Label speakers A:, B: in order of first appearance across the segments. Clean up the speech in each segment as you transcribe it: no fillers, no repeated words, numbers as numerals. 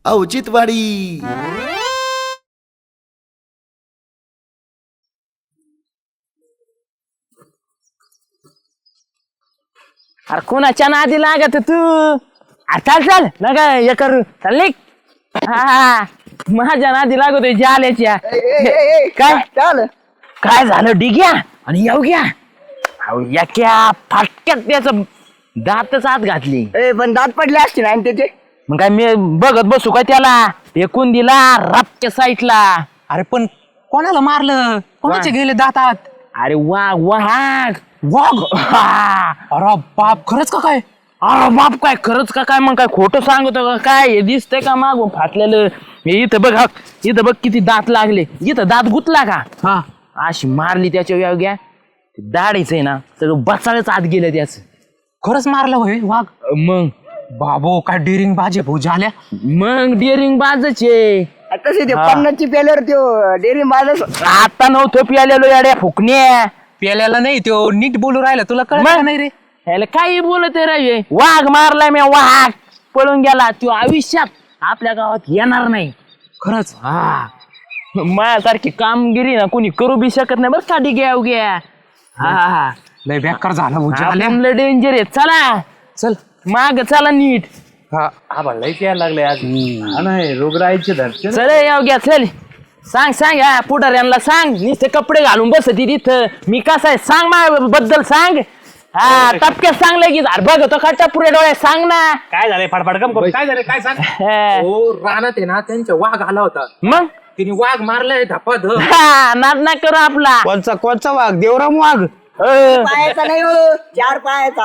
A: औचित्यवाडी.
B: अरे कोणाच्या नादी लागत तू? आता चाल नका हे करू चाल निघ. हा माझ्या नादी लागतोय जाल्याच्या. काय
C: चाल
B: काय झालं डिग्या आणि येऊ घ्या अहो याक्या फाटक्यात त्याच दातच आत घातली.
C: पण दात पडले असते ना त्याचे.
B: मग काय मी बघत बसू काय त्याला फेकून दिला रापच्या साईडला.
D: अरे पण कोणाला मारलं? कोणाचे गेले दातात?
B: अरे वाघ वाघ वाघ.
D: अरे बाप, खरंच का काय?
B: अरे बाप काय खरंच का काय? मग काय खोटं सांगतो का काय? हे दिसतंय का मागून फाटलेलं? हे इथं बघ इथं बघ किती दात लागले. इथं दात गुतला का?
D: हा
B: अशी मारली त्याच्या व्याग्या दाढीच आहे ना सगळं बसाळच आत गेलं त्याच.
D: खरंच मारलं होय वाघ?
B: मग
D: बाबो काय डेरिंग बाजे भाऊ झाल्या.
B: मग डिअरिंग बाजच आहे.
C: तसे ते 50ची पेल्यावर त्यो डेअरी माझा
B: आता नव्हतं पियालेलो याड्या फुकण्या.
D: प्याल्याला नाही तो नीट बोलू राहिला, तुला कळलं नाही रे?
B: ह्याला काही बोलत रे. वाघ मारलाय मी वाघ पळून गेला. तो आयुष्यात आपल्या गावात येणार नाही.
D: खरंच?
B: हा माझ्यासारखी कामगिरी ना कोणी करू बी शकत नाही बरं का डिग्या उग्या. हा
D: लय बेकार झाला भाऊ झाल्या.
B: लय डेंजर आहे. चला
D: चल
B: माग चला नीट.
D: हा
E: लई प्यायला लागले आज. नाही रोगराईचे धरते.
B: चल येऊ घ्या चल. सांग या पुढाऱ्यांना सांग. नुसते कपडे घालून बसती तिथं. मी कसं आहे सांग माझ्या बद्दल सांग. हा टपक्यात सांग लगेच. अरे बघ तो का टपुऱ्या डोळ्यात सांग ना.
E: काय झालंय फडफड कम काय झालंय काय सांग.
B: हा.
E: हो रानात आहे ना त्यांच्या वाघ आला होता.
B: मग
E: तिने वाघ मारलाय धपाध.
B: हा नाद ना करू आपला.
C: कोणचा वाघ? देवराम वाघ. पायाचा नाही हो, 4 पायाचा.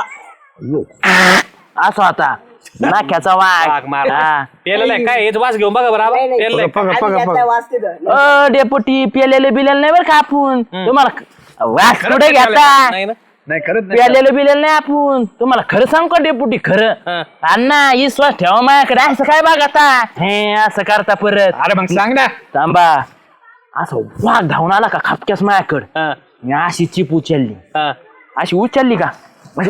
B: असं होता नाक्याचा वाघ.
E: वाघ मार
B: हा.
E: पेलेला काय हेच वास घेऊन बघा बरं
C: नाही, नाही.
E: पेलेला
C: आधी त्याचा वास तिथं.
B: डेपुटी पेलेले बिलेले नाही बरं का आपण. तुम्हाला वास कुठे घेता?
E: नाही ना नाही खरंच
B: प्यालेलं बिलेलं नाही आपण. तुम्हाला खरं सांग का डेपुटी खरं? अण्णा विश्वास ठेवा माझ्याकडे. असं काय बघ आता हे असं करता परत.
E: अरे मग सांग ना.
B: थांबा असं वाघ धावून आला का खापक्यास माझ्याकडं. मी अशी चिप उचलली. अशी उचलली का म्हणजे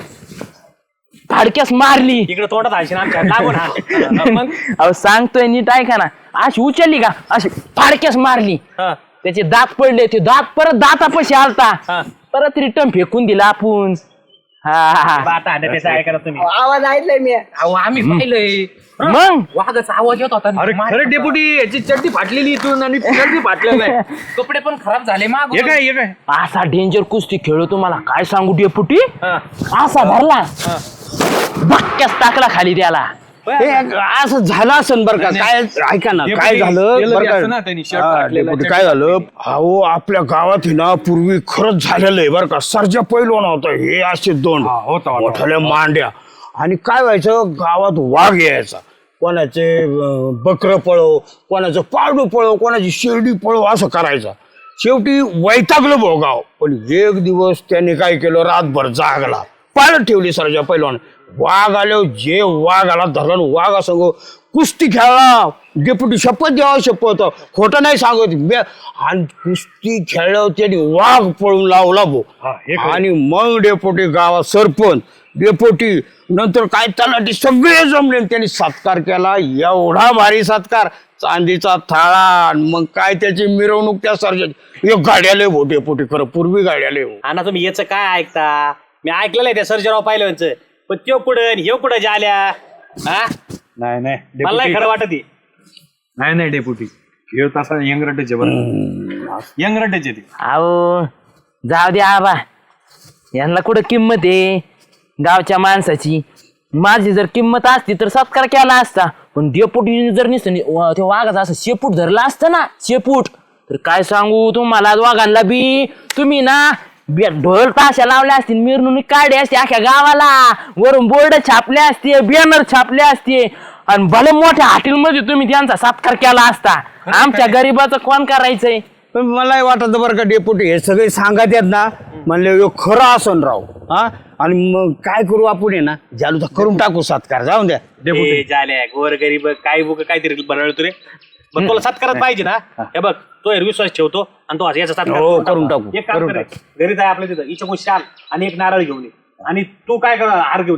B: फाडक्यास मारली.
E: इकडे तोंडात हायशी आमच्या लागून हा. मग
B: अहो सांगतोय नीट ऐका ना. अशी उचलली का अशी फाडक्यास मारली. त्याचे दात पडले. ते दात परत दातापाशी आलता. परत रिटर्न फेकून दिला आपण.
E: आता त्याचं ऐका तुम्ही.
C: आवाज ऐकलाय मी.
E: अहो आम्ही पाहिलंय
B: मग
E: वाघाचा आवाज येत होता. अरे खरं डेपुटी याची चड्डी फाटलेली इथून आणि चड्डी फाटलेला आहे. कपडे पण खराब झाले माग. हे काय
B: असा डेंजर कुस्ती खेळू तुम्हाला काय सांगू डेपुटी. असा धरला धक्क्याच टाकला खाली त्याला.
F: हे असं झालं असेल बरं का. काय ऐका ना काय झालं बरं का डेपुटी, काय झालं अहो आपल्या गावात ना पूर्वी खरंच झालेलं आहे बरं का. सर्जा पैलवान होता. हे असे 2 मोठ्याल्या मांड्या. आणि काय व्हायचं गावात वाघ यायचा. कोणाचे बकरं पळव, कोणाचं पारडू पळव, कोणाची शेरडी पळव असं करायचा. शेवटी वैतागलं भाऊ गाव. पण एक दिवस त्याने काय केलं रातभर जागला पाळत ठेवली सर्जा पैलवान. वाघ आल्यावर जे वाघ आला धरला वाघ असं कुस्ती खेळला. डेपुटी शपथ द्यावा शपथ खोटं नाही सांगत. आणि कुस्ती खेळल्यावर त्यांनी वाघ पळून लावला भो. आणि मग डेपुटी गावात सरपंच डेपुटी नंतर काय तलाठी सगळे जमले. त्यांनी सत्कार केला. एवढा भारी सत्कार चांदीचा थाळा. मग काय त्याची मिरवणूक त्या सर्जन एक गाड्याले भो डेपुटी. खरं पूर्वी गाड्याले हो.
E: आणि तुम्ही याचं काय ऐकता? मी ऐकलेलं आहे त्या सर्जराव पाहिलं पण त्यो कुठं हे कुठं झाल्या.
G: नाही
E: मला नाही खरं वाटत.
G: नाही डेपुटी हे तसा यंगरटेचे बरं यंगरटेचे ते.
B: अहो जाऊ द्या आबा. यांना कुठं किंमत आहे गावच्या माणसाची. माझी जर किंमत असती तर सत्कार केला असता. पण डेपुटी जर नसतं त्या वाघाचा असं शेपूट धरला असतं ना शेपूट तर काय सांगू तुम्हाला. वाघांना बी तुम्ही ना ढोल ताशा लावल्या असतील मिरवणूक काढली असते अख्ख्या गावाला. वरून बोर्ड छापले असते बॅनर छापले असते. आणि भले मोठ्या हॉटेलमध्ये तुम्ही त्यांचा सत्कार केला असता. आमच्या गरीबाचं कोण करायचंय.
F: पण मलाही वाटत बरं का डेपुटी हे सगळे सांगत आहेत ना म्हणले खरं असन राव. हा आणि मग काय करू आपण आहे ना जालूचा करून टाकू सत्कार. जाऊन द्या
E: डेपुटी झाल्या गोर गरीब काय बुक काहीतरी बनवलं रे. पण तुला सत्कारच पाहिजे ना. हे बघ तो विश्वास ठेवतो आणि तो याचा सत्कार
F: करून टाकू.
E: एक काम कर घरी जाय आपल्या तिथं इच्छा शाल आणि एक नारळ घेऊन ये. आणि तू काय कर हार घेऊन ये जा.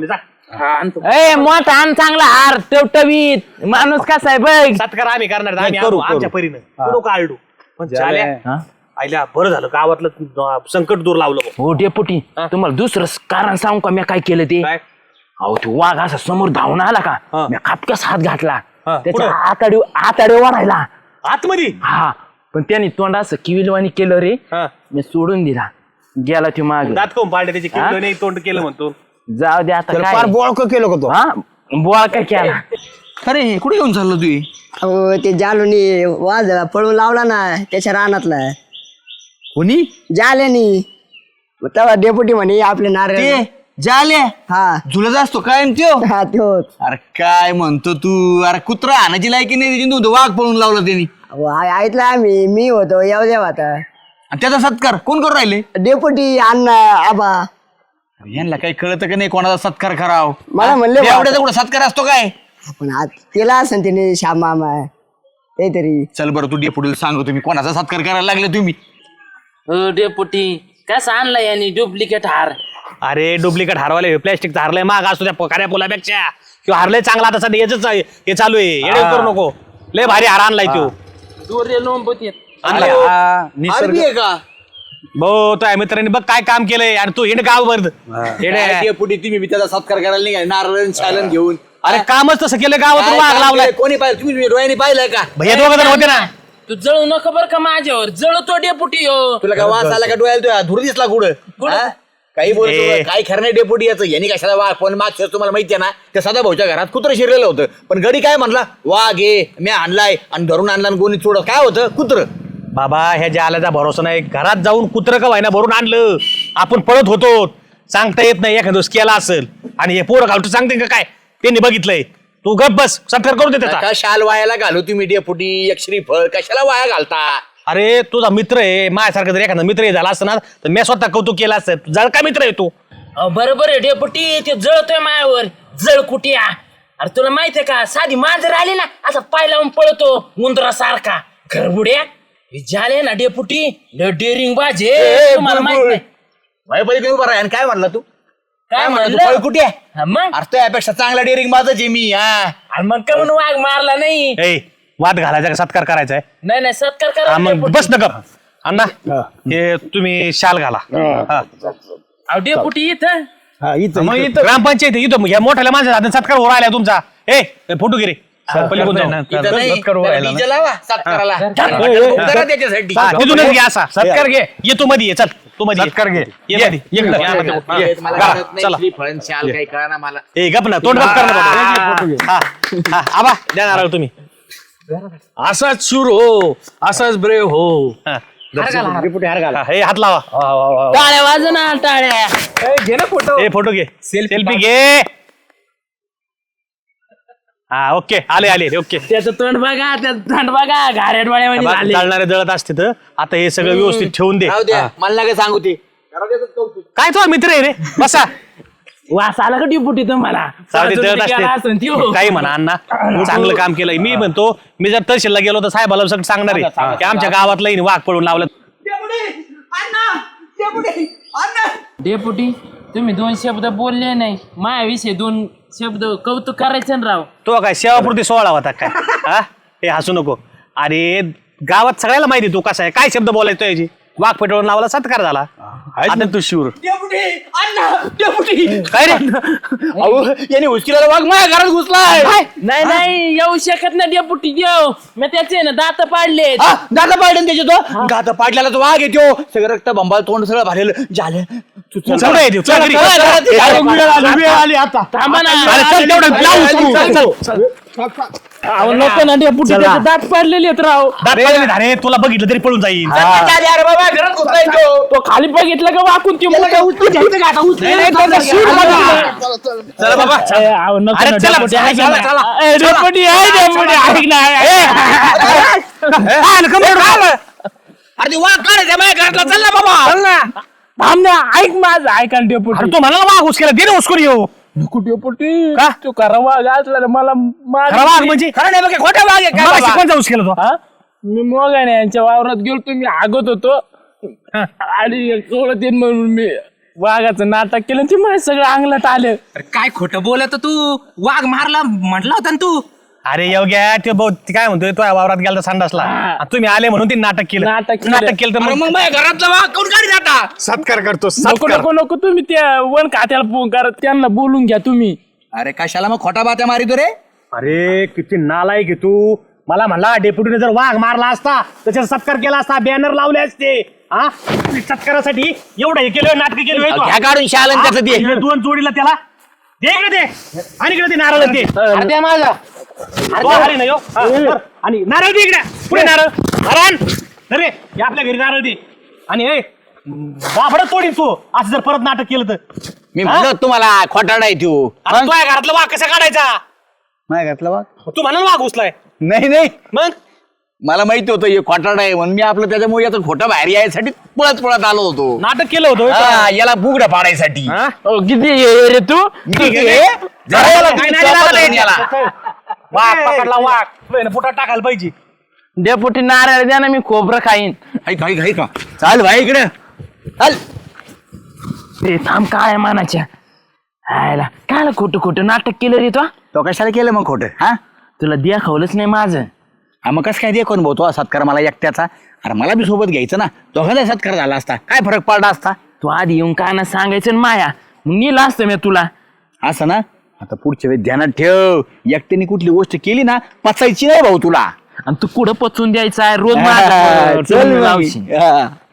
B: ए मोठा आण चांगला हार टवटवीत माणूस कसा आहे बघ.
E: सत्कार आम्ही करणार आम्ही
F: करू,
E: आणू, आमच्या
F: करू.
E: परीनं पुढं का आलडू पण झाल्या
B: हा?
E: आईला बरं झालं गावातलं संकट दूर लावलं
B: हो डेपुटी तुम्हाला दुसरं कारण सांगू का मी काय केलं ते
E: काय
B: अहो तो वाघ असा समोर धावून आला का
E: हा.
B: मी खापक्यास हात घातला
E: हा,
B: त्याच्या
E: पुढं?
B: आताडे वाढायला
E: आतमध्ये
B: हा पण त्याने तोंड असं किविलवाणी केलं रे
E: हा.
B: मी सोडून दिला गेला तो माग
E: दात कोण पाडले त्याची किल्लो नाही तोंड केलं म्हणतो
B: जाऊ दे आता
F: त्याला
B: काय
F: फार बोळक केलं का तो
B: हा बोळा काय केला
D: अरे कुठे घेऊन चाललो तू
C: अहो ते जालूनी वाज पळून लावला ना त्याच्या रानातला
D: कोणी
C: जाल्यानी तेव्हा डेपुटी म्हणे आपले नारळ
D: ते जाले
C: हा
D: झुलत असतो कायम त्यो
C: हा त्योच
D: अरे काय म्हणतो तू अरे कुत्रा आणायची लायकी नाही त्याची नव्हतं वाघ पळून लावला त्यांनी
C: अहो, ऐकलं आम्ही मी होतो येऊ देव आता
D: आणि त्याचा सत्कार कोण करून राहिले
C: डेपुटी अण्णा आबा
D: यांना काही कळतं का नाही कोणाचा सत्कार कराव
C: मला म्हणले बा-
D: एवढ्याचा कुठं सत्कार असतो काय
C: पण केला असं त्याने श्याम मामा काहीतरी
D: चल बरं तू डेपुटीला सांगतो तुम्ही कोणाचा सत्कार करायला लागले तुम्ही
B: डेपुटी कसा आणला यांनी डुप्लिकेट हार
E: अरे डुप्लिकेट हारवाले प्लॅस्टिकचा हारलंय माग असतो त्या कार्या पोलापेक्षा किंवा हारलंय चांगला आता सध्या याच हे चालू आहे येडे करू नको लय भारी हार आणलाय तो
D: अरबी आहे का
E: भाऊ तो मित्रांनी बघ काय काम केलंय आणि तू हिंड गाव भर
D: डेपुटी तुम्ही बी त्याचा सत्कार करायला नाही नारळ चालन घेऊन
E: अरे कामच तसं केलं गावात
D: काय
E: वाघ
D: काम
E: लावलाय
D: केलंय? कोणी पाहिलं तुम्ही डोळ्याने पाहिलंय का
E: भैया दोघं जण होते ना
B: तू जळू नका बर का माझ्यावर जळतो डेपुटी हो
D: तुला काय वास आला का डोळ्याला तुझ्या धूर दिसला कुठं हा? काही बोलतो
E: ए.
D: काही खरं नाही डेपुटी याचं यांनी कशाला वाघ पण मागच्या तुम्हाला माहिती आहे ना त्या सदा भाऊच्या घरात कुत्रं शिरलेलं होतं पण गडी काय म्हणला वाघ ये मी आणलाय आणि धरून आणला आणि गोणी चोड काय होतं कुत्र
E: बाबा ह्या जाल्याचा भरोसा नाही घरात जाऊन कुत्र का व्हायना भरून आणलं आपण पळत होतो सांगता येत नाही एखाद दिवस केला असेल आणि हे पोरं घालतो सांगते का काय त्यांनी बघितलंय तू गप बस सत्कार करून दे त्याचा
D: का शाल वायाला घालू तुम्ही डेपुटी एक श्रीफळ कशाला वाया घालता
E: अरे तुझा मित्र आहे माझ्यासारखा जर एखादा मित्र झाला असता ना तर मी स्वतः कौतुक केलं असतं जळ का मित्र आहे तू
B: बरोबर आहे डेपुटी ते जळतोय मायावर जळ कुटिया अरे तुला माहितीये का साधी मांजर आली ना असा पाय लावून पळतो उंदरा सारखा घरबुड्या झाले ना डेपुटी डेअरिंग बाजे तुम्हाला माहित नाही
D: भयपली उभा राहा आणि काय म्हणला तू
B: काय
D: म्हणला
B: म्हणलं
D: कुठे
B: हा, मग
D: अरे तो यापेक्षा चांगला डेअरिंग माझच आहे मी हा
B: आणि मग का म्हणून वाघ मारला नाही
E: ए वाद घालायचा का सत्कार करायचा आहे
B: नाही नाही सत्कार
E: हा,
B: करा
E: मग
B: डेपुटी.
E: बस न गप अण्णा हे तुम्ही शाल घाला हा.
B: अहो, डेपुटी इथं
F: हा इथं
E: मग इथं ग्रामपंचायत आहे, इथं या मोठ्याला माझ्या हातात सत्कार हो राहिला तुमचा ए फोटो गिरे पलीकडून जाऊ.
D: इथं नाही त्याला DJ लावा सत्काराला करा त्याच्यासाठी
E: हा, तिथूनच घे असा सत्कार घे ये तू मध्ये ये चल तू मध्ये सत्कार घे ये मध्ये ये इकडं. ये.
D: मला
E: घाला,
D: कळत नाही,
E: चला
D: श्रीफळ, शाल काही कळना मला
E: ए गप ना तोंड गप कर ना बाबा. हा, हा, आबा द्या नारळ तुम्ही
G: असाच शूर हो असाच ब्रेव हो
E: हा. हा, हे हात लावा
B: टाळ्या वाजना टाळ्या
E: ए फोटो घे सेल्फी घे हा ओके आले आले ओके
B: त्याचं तोंड बघा त्याचं तोंड बघा घाऱ्या डोळ्यामध्ये झाले
E: चालणारे जळत असते तर आता हे सगळं व्यवस्थित ठेवून दे
D: राहू द्या मला नका सांगू ते
E: काय तो मित्र आहे रे बसा
B: वास आला का डिपुटी तुम्हाला
E: चालते जळत
B: केला असेल
E: असते
B: त्यो.
E: काही म्हणा अण्णा चांगलं काम केलंय मी म्हणतो मी जर तहसीलला गेलो तर साहेबाला सगळं सांगणार आहे की आमच्या गावातलं वाघ पळून लावलं
B: डेपुटी तुम्ही दोन शब्द बोलले नाही माझ्याविषयी दोन शब्द कौतुक करायचं ना राव
E: तो काय सेवापुरती सोहळा होता काय हा हे हसू नको अरे गावात सगळ्याला माहिती तू कसा आहे काय शब्द बोलायचो याची वाघ पेटवून लावला सत्कार झाला आता तू शूर काय रे
D: यांनी उचकीला वाघ माझ्या घरात घुसलाय
B: नाही नाही येऊ शकत नाही डेपुटी देव मी त्याचे ना दात पाडले
D: दादा पाडून त्याचे तो दादा पाडल्याला तो वाघ येतो सगळं रक्त बंबाल तोंड सगळं भरलेलं झालं
E: चल रे, चल घरी.
F: वेळ आली आता
B: थांबा ना
E: अरे चल तेवढं ब्लाऊज तू. चल.
B: अहो, नको ना डेपुटी त्याचे दात पाडलेले आहेत राव
E: दात पाडले धारे, तुला बघितलं तरी पळून जाईल
D: अरे बाबा घरात घुसलाय तो
B: तो खाली बघितलं का वाकून ते
E: चला बाबा अरे चला, चला, चला, चला.
B: डेपुटी ऐक ना
D: अरे ते वाघ काढायचा माझ्या घरातला चल ना बाबा
B: थांब ना ऐक माझं ऐका ना डेपुटी
E: अरे तू म्हणाला वाघ उचकेला दे ना उचकून येऊ
B: नको डेपुटी
E: का?
B: तू खरा वाघ असला ना मला
E: खरा वाघ म्हणजे
D: खरं नाही बघ खोटा वाघ आहे काय
E: मला
D: बाबा?
E: कोणता उचकेला तो
B: हा? मी मोगाने यांच्या वावरात गेलो तुम्ही आगत होतो आणि सोडत येईन म्हणून मी वाघाचं नाटक केलं ते माझ्या सगळं अंगलात आलं.
A: अरे काय खोटं बोलत तू, वाघ मारला म्हटला होता ना तू.
E: अरे योग्या ते ते काय म्हणतोय तो वावरात गेला संडासला आणि तुम्ही आले म्हणून ते नाटक केलं
B: नाटक केलं.
E: तर
A: अरे
E: मग
A: मग माझ्या घरातला वाघ कोण काढी जाता.
F: सत्कार करतो
B: नको
F: सत्कार.
B: नको नको तुम्ही त्या वन खात्याला फोन करा, त्यांना बोलून घ्या तुम्ही.
D: अरे कशाला मग खोटा बात्या मारितो रे?
E: अरे किती नालायक आहे तू. मला म्हणला डेप्युटीने जर वाघ मारला असता त्याच्यावर सत्कार केला असता, बॅनर लावले असते. हा सत्कारासाठी एवढं हे केलं, नाटक केलं.
D: घ्या काढून शालन त्याचं ते.
E: दोन जोडीला त्याला दे इकडे ते, आणि इकडे ते नारळ दे.
B: अरे द्या माझा.
E: तो आले ना ह्यो. हा, धर. आणि नारळ दे इकडे, पुढे नारळ. नारायण अरे आपल्या घरी नारळ दे. आणि ए बाबडच तोडीन तू असं जर परत नाटक केलं तर.
D: मी म्हणलो तुम्हाला खोटाडा आहे तू.
E: आता तुझ्या घरातला वाघ कसा काढायचा?
D: नाही घातला वाघ?
E: तू म्हणा ना वाघ उचलाय.
D: नाही
E: मग
D: मला माहिती होतं हे खोटाडा आहे म्हणून मी आपलं त्याच्यामुळे याचं खोटं बाहेर यायसाठी पळत आलो होतो.
E: नाटक केलं होतं होय.
D: हा, याला बुगडं पाडायसाठी.
E: हा?
B: ओ, किती हे रे तू.
D: जरा याला
E: काय
D: तुम्ही
E: नाही
D: चोपा
E: लागलं
D: धरून याला.
E: वाघ पकडला वाघ. पुटात टाकायला पाहिजे.
B: डेपुटी नारळ द्या ना, मी खोबरं खाईन.
D: का चाल भाई इकडे चाल.
B: रे थांब काय मानाच्या आयला काय खोटं खोटं नाटक केलं रे
D: तो कशाला केलं मग खोटं? हा
B: तुला दाखवलंच नाही माझं.
D: हा मग कसं काय दे कोण भाऊ तो सत्कार मला एकट्याचा? अरे मला बी सोबत घ्यायचं ना, दोघांचा सत्कार झाला असता काय फरक पडला असता?
B: तू आधी येऊन काय ना सांगायचं ना माया, मग नेलं असतं मी तुला.
D: असं ना, आता पुढच्या वेळी ध्यानात ठेव, एकट्याने कुठली गोष्ट केली ना पचायची नाही भाऊ तुला.
B: आणि तू कुठं पचवून द्यायचा आहे रोज
D: हा,
B: माझं
D: चल मग.
B: लावशील.
D: हा.